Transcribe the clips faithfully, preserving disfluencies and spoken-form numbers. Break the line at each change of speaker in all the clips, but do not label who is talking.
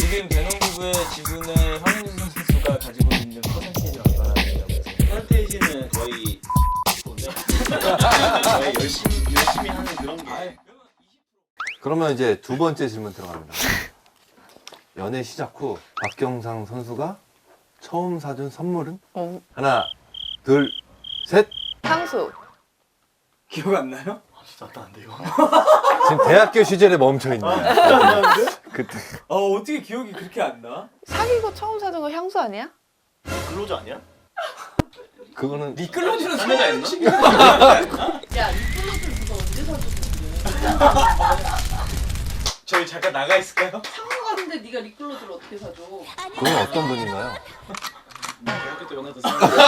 지금 배농부부의 지분을 황현준 선수가 가지고 있는 퍼센테이지가 얼마나 되냐고.
퍼센테이지는 거의 거의 열심히 열심히 하는 그런 게.
그러면 이제 두 번째 질문 들어갑니다. 연애 시작 후 박경상 선수가 처음 사준 선물은?
어.
하나, 둘, 셋.
향수.
기억 안 나요?
아, 진짜 안 나는데 이거.
지금 대학교 시절에 멈춰 있네. 그때.
아 어떻게 기억이 그렇게 안 나?
사귀고 처음 사준 거 향수 아니야?
근로자 아니야?
그거는
미끌러지는
사내자였나?
야, 리플러들 누가 언제 사줬는데?
저희 잠깐 나가 있을까요?
상호 가는데 네가 리클로즈를 어떻게 사줘?
그건 어떤 분인가요?
대학교 때 연애도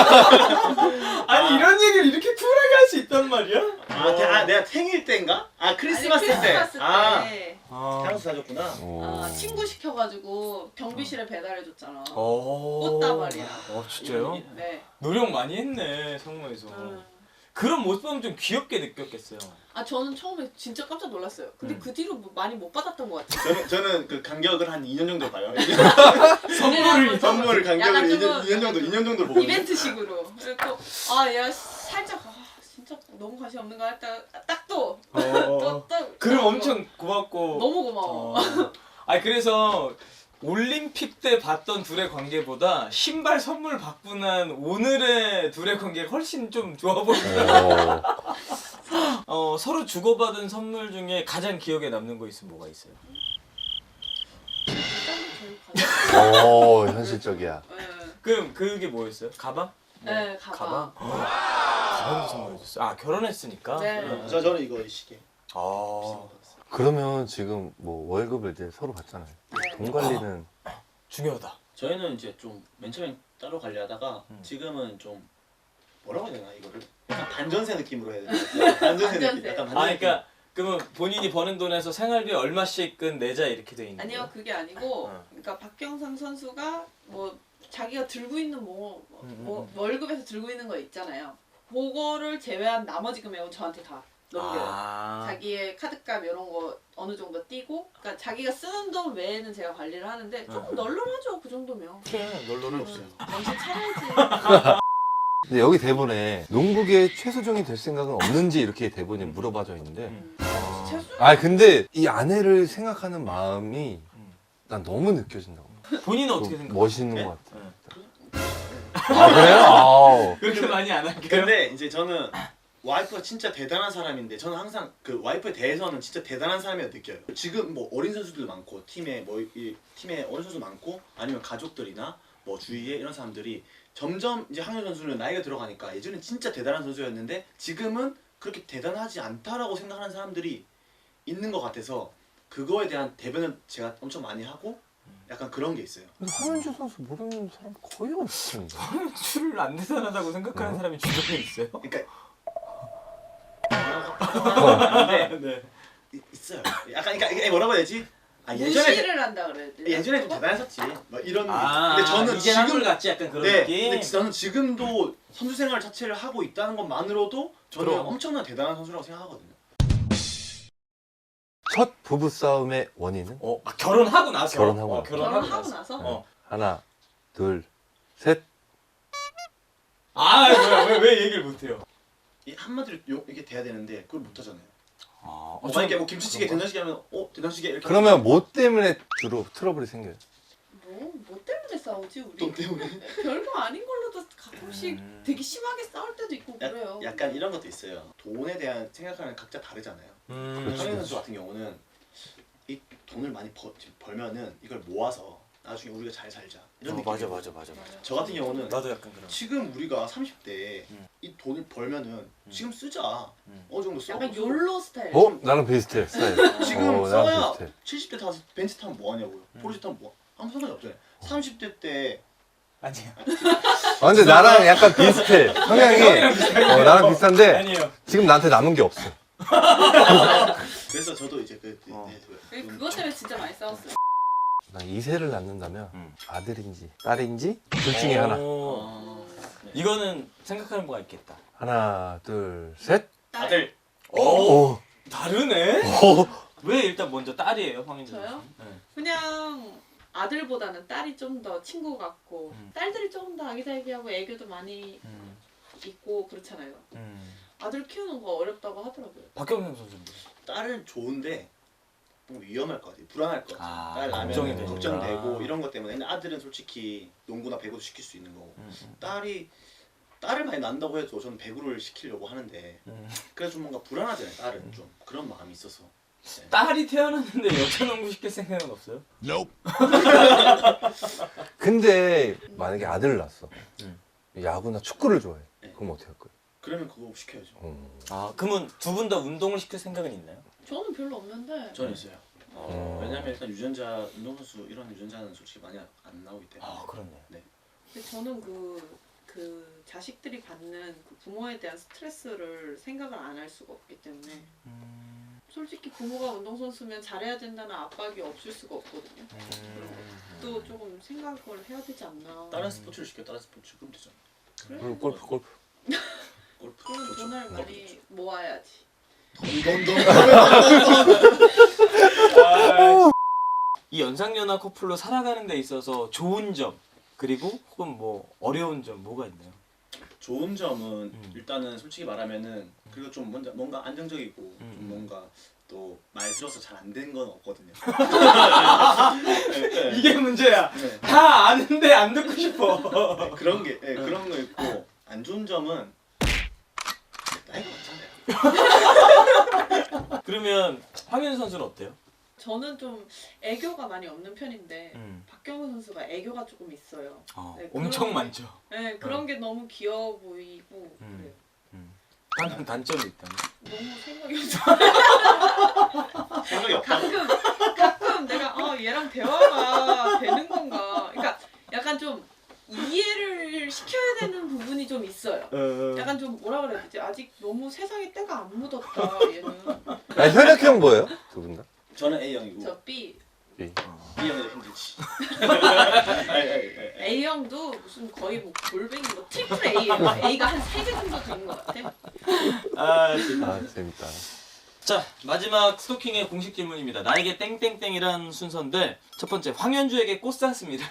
아니 이런 얘기를 이렇게 쿨하게 할 수 있단 말이야?
아, 대, 아 내가 생일 때인가? 아 크리스마스,
아니, 크리스마스
때.
때.
아
아.
향수 사줬구나.
아, 친구 시켜가지고 경비실에 배달해줬잖아.
오.
꽃다발이야.
어 진짜요?
네.
노력 많이 했네 성모에서.
음.
그런 모습 보면 좀 귀엽게 느꼈겠어요.
아 저는 처음에 진짜 깜짝 놀랐어요. 근데
음.
그 뒤로 뭐 많이 못 받았던 것 같아요.
저는 저는 그 간격을 한 이 년 정도 봐요.
선물을
선물 간격을
약간
이 년,
조금
이 년 정도 이 년 정도 보거든요.
이벤트식으로. 그리고 아야 살짝 아, 진짜 너무 관심 없는 거 했다 딱또
어.
또 또.
그럼 엄청 고맙고.
너무 고마워.
어. 아 그래서 올림픽 때 봤던 둘의 관계보다 신발 선물 받고 난 오늘의 둘의 관계가 훨씬 좀 좋아 보여요. 어, 서로 주고받은 선물 중에 가장 기억에 남는 거 있으면 뭐가 있어요?
오, 현실적이야.
네.
그럼 그게 뭐였어요? 가방?
네, 가방.
가방도 선물해줬어. 아 결혼했으니까.
네.
응.
저 저는 이거 시계.
아
그러면 지금 뭐 월급을 이제 서로 받잖아요.
네.
돈 관리는
중요하다.
저희는 이제 좀 맨 처음에 따로 관리하다가
음.
지금은 좀 뭐라고 해야 되나 이거를 약간 반전세 느낌으로 해야 되나? 반전세 느낌.
반전세.
약간
아
반전세.
그러니까 그러면 본인이 버는 돈에서 생활비 얼마씩은 내자 이렇게 돼 있는 거예요?
아니요 그게 아니고
어.
그러니까 박경상 선수가 뭐 자기가 들고 있는 뭐, 뭐,
음,
뭐
음.
월급에서 들고 있는 거 있잖아요. 그거를 제외한 나머지 금액은 저한테 다 넘겨요.
아.
자기의 카드값 이런 거 어느 정도 띄고 그러니까 자기가 쓰는 돈 외에는 제가 관리를 하는데 조금
응.
널널하죠 그 정도면.
그래 널널해.
없어요.
정신 차려야지.
근데 여기 대본에 농부계 최수종이 될 생각은 없는지 이렇게 대본에 물어봐져 있는데
음.
최수
아 근데 이 아내를 생각하는 마음이
음.
난 너무 느껴진다고.
본인은 어떻게
좀
생각해요?
멋있는
네?
것 같아.
응.
아 그래요? 아우.
그렇게 많이 안 할게요.
근데 이제 저는 와이프가 진짜 대단한 사람인데 저는 항상 그 와이프에 대해서는 진짜 대단한 사람이라고 느껴요. 지금 뭐 어린 선수들 많고 팀에 뭐 이 팀에 어린 선수 많고 아니면 가족들이나 뭐 주위에 이런 사람들이 점점 이제 황현 선수는 나이가 들어가니까 예전엔 진짜 대단한 선수였는데 지금은 그렇게 대단하지 않다라고 생각하는 사람들이 있는 것 같아서 그거에 대한 대변을 제가 엄청 많이 하고 약간 그런 게 있어요.
근데 황현주 선수 모르는 사람 거의 없을 텐데.
술을 안 대단하다고 생각하는
어?
사람이 주변에 있어요?
그러니까 근데
네.
이- 있어요. 약간 그러니까 이게 뭐라고 해야 되지? 아 예전에
무시를 한다 그래야 되나?
예전에 좀 대단했었지. 막 이런.
아,
근데 저는
이제
지금
한물 같지 약간 그런
네.
느낌.
근데 저는 지금도 선수 생활 자체를 하고 있다는 것만으로도 저는
그럼.
엄청난 대단한 선수라고 생각하거든요.
첫 부부 싸움의 원인은?
어, 아, 결혼하고 나서.
결혼하고
어,
나서.
결혼하고,
결혼하고
나서.
나서?
어.
하나, 둘, 셋.
아, 뭐야? 왜, 왜 얘기를 못 해요?
이 한마디로 요, 이게 돼야 되는데 그걸 못 하잖아요.
아,
뭐 만약에 뭐 김치찌개, 된장찌개 하면 어 된장찌개 이렇게.
그러면 뭐 때문에 주로 트러블이 생겨요?
뭐, 뭐 때문에 싸우지 우리?
돈 때문에.
별거 아닌 걸로도 가끔씩
음.
되게 심하게 싸울 때도 있고 그래요.
약, 약간 이런 것도 있어요. 돈에 대한 생각하는 각자 다르잖아요.
음.
그렇지.
황현 선수 같은 경우는 이 돈을 많이 버, 벌면은 이걸 모아서 나중에 우리가 잘 살자 이런
어,
느낌.
맞아, 맞아, 맞아, 맞아.
저 같은 경우는
나도 약간 그런.
지금 우리가 삼십 대에
음.
이 돈을 벌면은
음.
지금 쓰자.
음.
어느 정도 써.
약간 욜로 스타일.
어? 나랑 비슷해, 스타일.
지금
어, 나랑
써야
비슷해.
칠십 대 다 벤츠 타면 뭐 하냐고요.
음.
포르쉐 타면 뭐 아무 상관이 없잖아요. 삼십 대 때
아니에요.
아, 근데 나랑 약간 비슷해. 성향이. 어, 나랑 비슷한데
아니에요.
지금 나한테 남은 게 없어.
그래서 저도 이제 그, 그,
어.
네, 그
그-
돈-
그것 때문에 진짜 많이 싸웠어요.
난 이세를 낳는다면
음.
아들인지 딸인지 둘 중에 하나.
오.
아, 네.
이거는 생각하는 바가 있겠다.
하나, 둘, 셋.
딸.
아들
오,
오.
다르네.
오.
왜 일단 먼저 딸이에요, 황인준
저요?
선수? 네.
그냥 아들보다는 딸이 좀 더 친구 같고
음.
딸들이 조금 더 아기자기하고 애교도 많이
음.
있고 그렇잖아요.
음.
아들 키우는 거 어렵다고 하더라고요.
박경상 선수인데.
딸은 좋은데 너무 위험할 것 같아요. 불안할 것 같아요.
아,
딸 나면
걱정이 되니까.
걱정되고 이런 것 때문에. 근데 아들은 솔직히 농구나 배구도 시킬 수 있는 거고
음, 음.
딸이 딸을 많이 낳는다고 해도 저는 배구를 시키려고 하는데
음.
그래서 좀 뭔가 불안하잖아요. 딸은 좀 그런 마음이 있어서. 네.
딸이 태어났는데 여자 농구 시킬 생각은 없어요?
근데 만약에 아들을 낳았어.
음.
야구나 축구를 좋아해.
네.
그럼 어떻게 할 거야?
그러면 그거 시켜야죠.
어.
아 그러면 두 분 다 운동을 시킬 생각은 있나요?
저는 별로 없는데
저는 있어요.
어.
왜냐면 일단 유전자 운동선수 이런 유전자는 솔직히 많이 안 나오기 때문에.
아 그렇네요.
근데 저는 그, 그 자식들이 받는 그 부모에 대한 스트레스를 생각을 안 할 수가 없기 때문에
음.
솔직히 부모가 운동선수면 잘해야 된다는 압박이 없을 수가 없거든요.
음.
또 조금 생각을 해야 되지 않나.
다른 스포츠를 시켜 다른 스포츠 그럼 되잖아.
그래?
그리고 골프 골프.
골프
그럼
좋죠.
돈을 많이 모아야지.
돈돈돈.
이 연상연하 커플로 살아가는 데 있어서 좋은 점 그리고 혹은 뭐 어려운 점 뭐가 있나요?
좋은 점은
음.
일단은 솔직히 말하면은 그리고 좀 뭔가, 뭔가 안정적이고
음.
좀 뭔가 또 말 들어서 잘 안 된 건 없거든요.
이게 문제야.
네.
다 아는데 안 듣고 싶어.
네, 그런 게 네, 그런 거 있고 안 좋은 점은 나이가 많잖아요.
그러면 황현 선수는 어때요?
저는 좀 애교가 많이 없는 편인데
음.
박경호 선수가 애교가 조금 있어요.
어,
네,
엄청
그런-
많죠.
네, 그런 게 너무 귀여워 보이고
음.
그래요.
단 단점이 있다면?
너무 생각이 없어.
생각이 없다.
가끔 가끔 내가 아 얘랑 대화가 되는 건가. 그러니까 약간 좀 이해를 시켜야 되는 부분이 좀 있어요. 약간 좀 뭐라 그래야 되지? 아직 너무 세상에 때가 안 묻었다 얘는.
아, 혈액형 뭐예요? 두 분 다?
저는 A형이고
저 B
B.
B형이 힘들지.
A형도 무슨 거의 뭐 골뱅이 뭐 트리플 A예요. A가 한 세 개 정도 되는 것 같아.
아, 진짜.
아 재밌다.
자 마지막 스토킹의 공식 질문입니다. 나에게 땡땡땡이란 순서인데 첫 번째 황현주에게 꽃 샀습니다.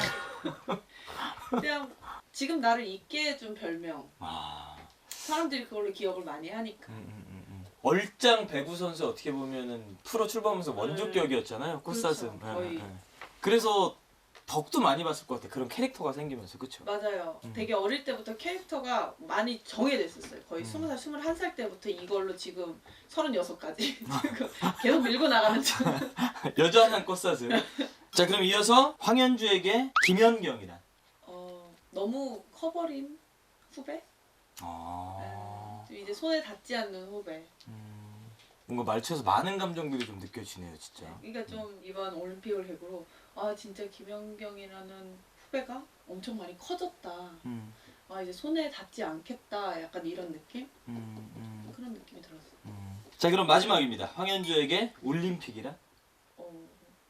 그냥 지금 나를 잊게 해준 별명.
아,
사람들이 그걸로 기억을 많이 하니까.
음, 음, 음, 음. 얼짱 배구 선수 어떻게 보면은 프로 출범하면서 원조격이었잖아요. 꽃사슴.
그렇죠, 거의.
예, 예. 그래서 덕도 많이 봤을 것 같아. 그런 캐릭터가 생기면서 그렇죠.
맞아요.
음.
되게 어릴 때부터 캐릭터가 많이 정해졌었어요. 거의
음.
스무 살, 스물한 살 때부터 이걸로 지금 서른여섯까지 계속 밀고 나가는 중.
여전한 꽃사슴. 자 그럼 이어서 황현주에게 김연경이란.
어, 너무 커버린 후배?
아,
네, 이제 손에 닿지 않는 후배.
음, 뭔가 말투에서 많은 감정들이 좀 느껴지네요, 진짜.
그러니까 좀 이번 올림픽을 계기로 아 진짜 김연경이라는 후배가 엄청 많이 커졌다.
음,
아 이제 손에 닿지 않겠다. 약간 이런 느낌?
음, 음,
그런 느낌이 들었어요.
음. 자 그럼 마지막입니다. 황현주에게 올림픽이란?
어,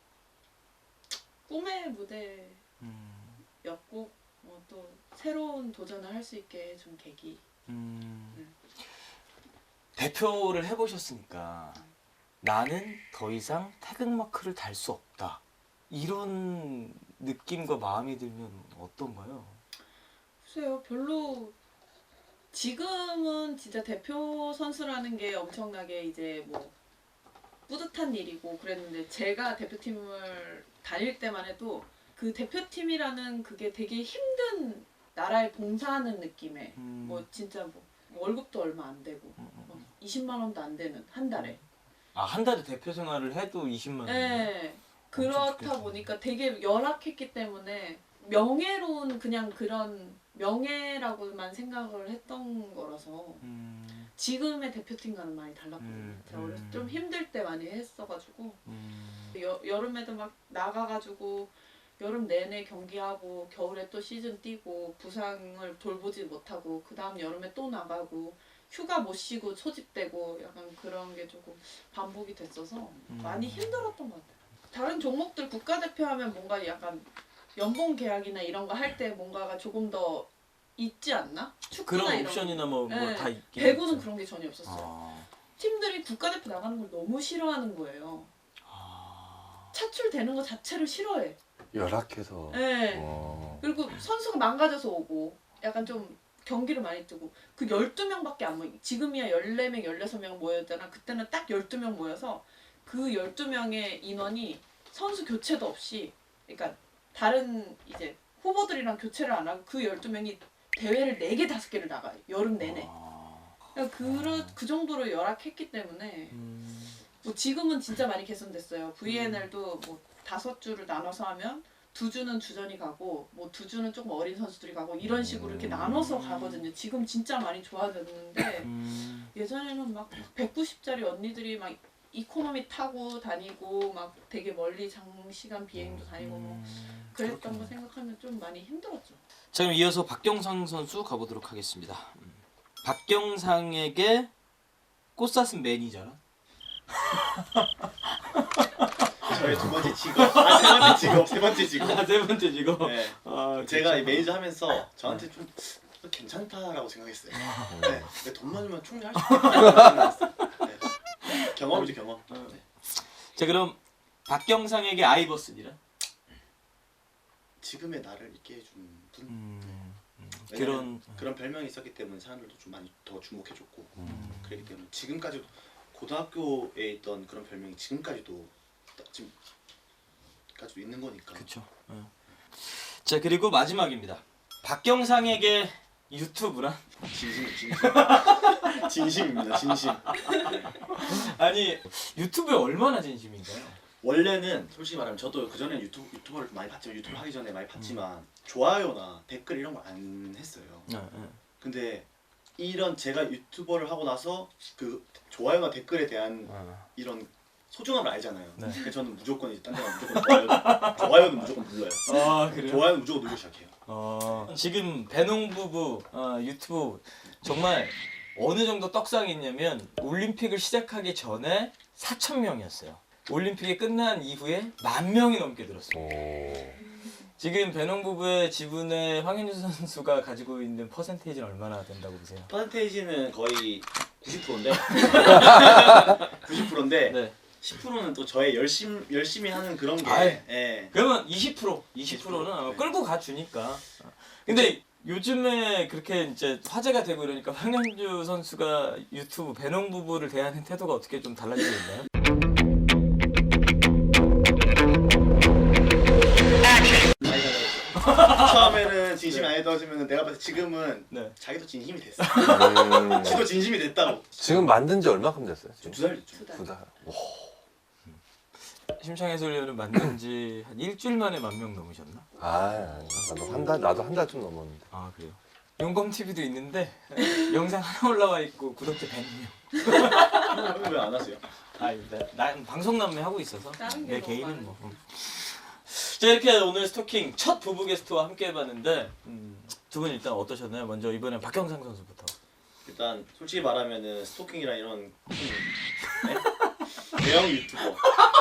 꿈의 무대였고
음,
어, 또 새로운 도전을 할 수 있게 해준 계기.
음.
음.
대표를 해보셨으니까 나는 더 이상 태극마크를 달 수 없다. 이런 느낌과 마음이 들면 어떤가요?
글쎄요, 별로 지금은 진짜 대표 선수라는 게 엄청나게 이제 뭐 뿌듯한 일이고 그랬는데 제가 대표팀을 다닐 때만 해도 그 대표팀이라는 그게 되게 힘든 나라에 봉사하는 느낌의
음,
뭐 진짜 뭐 월급도 얼마 안 되고
음, 음.
뭐 이십만 원도 안 되는 한 달에.
아, 한 달에 대표 생활을 해도 이십만 원.
네.
엄청
그렇다
좋겠다.
보니까 되게 열악했기 때문에 명예로운 그냥 그런 명예라고만 생각을 했던 거라서
음,
지금의 대표팀과는 많이 달랐거든요.
음,
제가 어렸을
음.
때 좀 힘들 때 많이 했어가지고
음,
여, 여름에도 막 나가가지고 여름 내내 경기하고 겨울에 또 시즌 뛰고 부상을 돌보지 못하고 그 다음 여름에 또 나가고 휴가 못 쉬고 소집되고 약간 그런 게 조금 반복이 됐어서
음.
많이 힘들었던 것 같아요. 다른 종목들 국가대표 하면 뭔가 약간 연봉 계약이나 이런 거 할 때 뭔가가 조금 더 있지 않나? 축구나
그런
이런
옵션이나 뭐
네.
다 있긴
배구는
있죠.
그런 게 전혀 없었어요.
아,
팀들이 국가대표 나가는 걸 너무 싫어하는 거예요.
아,
차출되는 것 자체를 싫어해.
열악해서.
네.
어.
그리고 선수가 망가져서 오고 약간 좀 경기를 많이 뜨고 그 열두 명밖에 안 모이. 지금이야 열네 명, 열여섯 명 모였잖아. 그때는 딱 열두 명 모여서 그 열두 명의 인원이 선수 교체도 없이 그러니까 다른 이제 후보들이랑 교체를 안 하고 그 열두 명이 대회를 네 개, 다섯 개를 나가요. 여름 내내. 그러니까 그러, 그 정도로 열악했기 때문에
음.
뭐 지금은 진짜 많이 개선됐어요. 브이엔엘도 뭐 다섯 주를 나눠서 하면 두 주는 주전이 가고 뭐 두 주는 조금 어린 선수들이 가고 이런 식으로 이렇게 나눠서 가거든요. 지금 진짜 많이 좋아졌는데
음.
예전에는 막 백구십짜리 언니들이 막 이코노미 타고 다니고 막 되게 멀리 장시간 비행도 다니고 뭐 그랬던 거 생각하면 좀 많이 힘들었죠.
자 그럼 이어서 박경상 선수 가보도록 하겠습니다. 음. 박경상에게 꽃사슴 매니저라?
저의 두 번째 직업, 아, 세 번째 직업, 세 번째 직업.
아, 세 번째 직업.
네.
아,
제가 이 매니저 하면서 저한테 좀 괜찮다라고 생각했어요. 네. 근데 돈만 주면 충분히 할 수 있겠다 생각했어요. 네. 경험이죠 경험. 네.
자 그럼 박경상에게 아이버슨이라?
지금의 나를 있게 해준 분.
음. 음.
왜냐면
그런
그런 별명이 있었기 때문에 사람들도 좀 많이 더 주목해줬고
음.
그렇기 때문에 지금까지도 고등학교에 있던 그런 별명이 지금까지도 지금까지도 있는 거니까.
그렇죠. 어. 자 그리고 마지막입니다. 박경상에게 유튜브란?
진심 진심 진심입니다 진심.
아니 유튜브에 얼마나 진심인가요?
원래는 솔직히 말하면 저도 그 전에 유튜브 유튜버를 많이 봤지만 유튜브 하기 전에 많이 봤지만 좋아요나 댓글 이런 걸 안 했어요.
네, 네.
근데 이런 제가 유튜버를 하고 나서 그 좋아요나 댓글에 대한
어.
이런 소중함을 알잖아요.
네.
그래서 저는 무조건 이제 딴 데가 무조건 좋아요. 좋아요는 무조건 눌러요.
아 그래요?
좋아요는 무조건 누르기 시작해요.
어, 지금 배농 부부 어, 유튜브 정말 어느 정도 떡상이 있냐면 올림픽을 시작하기 전에 사천 명이었어요. 올림픽이 끝난 이후에 만 명이 넘게 늘었어요.
오.
지금 배농 부부의 지분에 황현주 선수가 가지고 있는 퍼센테이지는 얼마나 된다고 보세요?
퍼센테이지는 거의 구십 퍼센트인데 구십 퍼센트인데
네.
십 퍼센트는 또 저의 열심 열심히 하는 그런 게.
아이.
예.
그러면 이십 퍼센트, 이십 퍼센트는
네.
끌고 가주니까. 근데 요즘에 그렇게 이제 화제가 되고 이러니까 황현주 선수가 유튜브 배농 부부를 대하는 태도가 어떻게 좀 달라지고 있나요?
많이 달라졌어. 처음에는 진심이 안 떨어지면 내가 봤을 때 지금은
네.
자기도 진심이 됐어.
음.
지도 진심이 됐다고.
지금 만든 지 얼마큼 됐어요? 지금?
두 달 됐죠.
두 달.
두 달. 오.
심창 해설위원은 만든 지 한 일주일 만에 만 명 넘으셨나?
아, 나도 한 달, 나도 한 달 좀 넘었는데.
아 그래요? 용검티비도 있는데 영상 하나 올라와 있고 구독자 백 명.
왜 안 하세요?
아, 나, 난 방송 남매 하고 있어서
다른 게
내
너무
개인은
많으니까.
뭐. 자 이렇게 오늘 스토킹 첫 부부 게스트와 함께 해봤는데 음, 두 분 일단 어떠셨나요? 먼저 이번엔 박경상 선수부터.
일단 솔직히 말하면은 스토킹이랑 이런 음, 네? 대형 유튜버.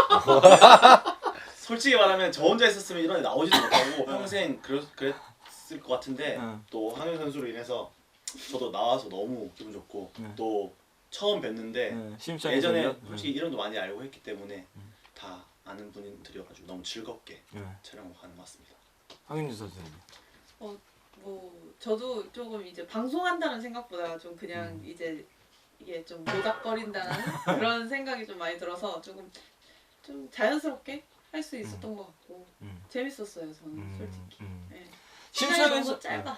솔직히 말하면 저 혼자 있었으면 이런 데 나오지도 못하고 평생 그랬, 그랬을 것 같은데
응.
또 황현 선수로 인해서 저도 나와서 너무 기분 좋고
응.
또 처음 뵀는데
네, 심창
예전에
해설위원.
솔직히 이름도 많이 알고 했기 때문에
응.
다 아는 분들이어가지고 너무 즐겁게
네.
촬영하고 가는 것 같습니다.
황윤주 선수님.
어, 뭐 저도 조금 이제 방송한다는 생각보다 좀 그냥
음.
이제 이게 좀 모닥거린다는 그런 생각이 좀 많이 들어서 조금 좀 자연스럽게 할 수 있었던 것 같고
음.
재밌었어요 저는
음,
솔직히.
음.
네.
심창
시간이
해설
너무 짧아.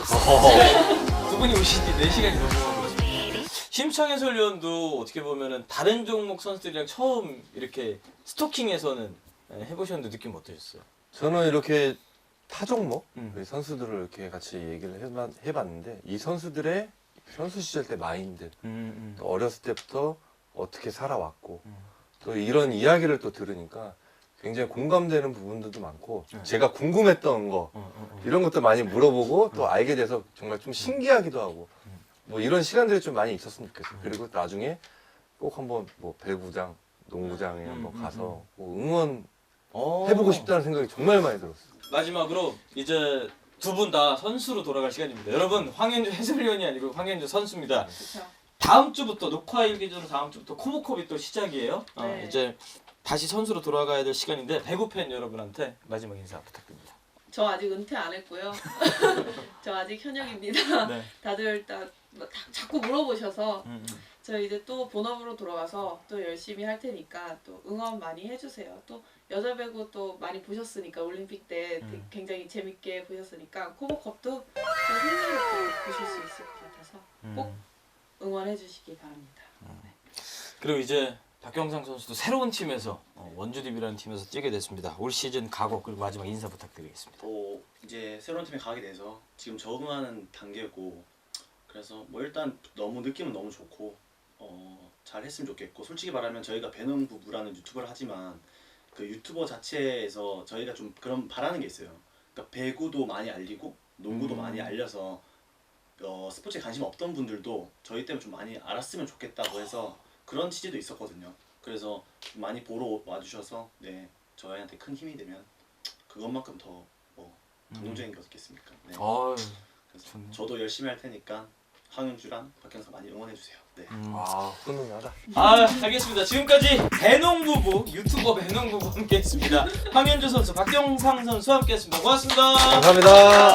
두 분이 오신 지 네 시간이 넘어가고 있습니다. 심창 해설위원도 어떻게 보면은 다른 종목 선수들이랑 처음 이렇게 스토킹에서는 해보셨는데 느낌 어떠셨어요?
저는 이렇게 타 종목
음.
우리 선수들을 이렇게 같이 얘기를 해봤, 해봤는데 이 선수들의 선수 시절 때 마인드,
음,
또 어렸을 때부터 어떻게 살아왔고
음.
또 이런 이야기를 또 들으니까 굉장히 공감되는 부분들도 많고
네.
제가 궁금했던 거
어, 어, 어.
이런 것도 많이 물어보고 또 알게 돼서 정말 좀 신기하기도 하고
음.
뭐 이런 시간들이 좀 많이 있었으면 좋겠어요.
음.
그리고 나중에 꼭 한번 뭐 배구장, 농구장에
음,
한번
음,
가서 뭐 응원
어.
해보고 싶다는 생각이 정말 많이 들었어요.
마지막으로 이제 두 분 다 선수로 돌아갈 시간입니다. 여러분 황현주 해설위원이 아니고 황현주 선수입니다.
그렇죠.
다음 주부터 녹화 일기 전 다음 주부터 코모컵이 또 시작이에요. 어,
네.
이제 다시 선수로 돌아가야 될 시간인데 배구 팬 여러분한테 마지막 인사 부탁드립니다.
저 아직 은퇴 안 했고요. 저 아직 현역입니다.
네.
다들 다, 다 자꾸 물어보셔서
음, 음.
저 이제 또 본업으로 돌아가서 또 열심히 할 테니까 또 응원 많이 해주세요. 또 여자 배구 또 많이 보셨으니까 올림픽 때
음.
굉장히 재밌게 보셨으니까 코보컵도 또 흥미롭게 보실 수 있을 것 같아서 꼭
음.
응원해 주시기 바랍니다. 네.
그리고 이제 박경상 선수도 새로운 팀에서 어, 원주디비라는 팀에서 뛰게 됐습니다. 올 시즌 각오 그리고 마지막 인사 부탁드리겠습니다.
어, 이제 새로운 팀에 가게 돼서 지금 적응하는 단계고 그래서 뭐 일단 너무 느낌은 너무 좋고 어, 잘 했으면 좋겠고 솔직히 말하면 저희가 배농 부부라는 유튜버를 하지만 그 유튜버 자체에서 저희가 좀 그런 바라는 게 있어요. 그러니까 배구도 많이 알리고 농구도
음.
많이 알려서 어, 스포츠에 관심 없던 분들도 저희 때문에 좀 많이 알았으면 좋겠다고 해서 그런 취지도 있었거든요. 그래서 좀 많이 보러 와주셔서 네 저희한테 큰 힘이 되면 그것만큼 더 뭐 감동적인 게 없겠습니까? 네.
어휴,
그래서
좋네.
저도 열심히 할 테니까 황윤주랑 박경상 많이 응원해 주세요. 네.
음.
아, 훈훈하다.
아 알겠습니다. 지금까지 배농부부 유튜버 배농부부 함께했습니다. 황현주 선수, 박경상 선수 함께했습니다. 고맙습니다.
감사합니다.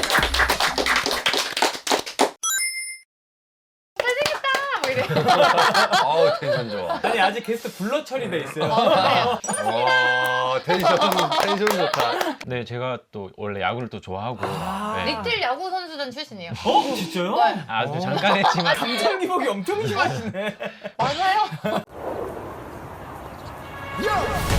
뭐 이래.
아우, 텐션 좋아.
아니 아직 게스트 블러 처리돼 있어요.
와, 텐션, 텐션 좋다.
네, 제가 또 원래 야구를 또 좋아하고 네.
리틀 야구 선수단 출신이에요.
어 진짜요?
네.
아, 또 잠깐 했지만
감정 기복이 엄청 심하시네.
맞아요.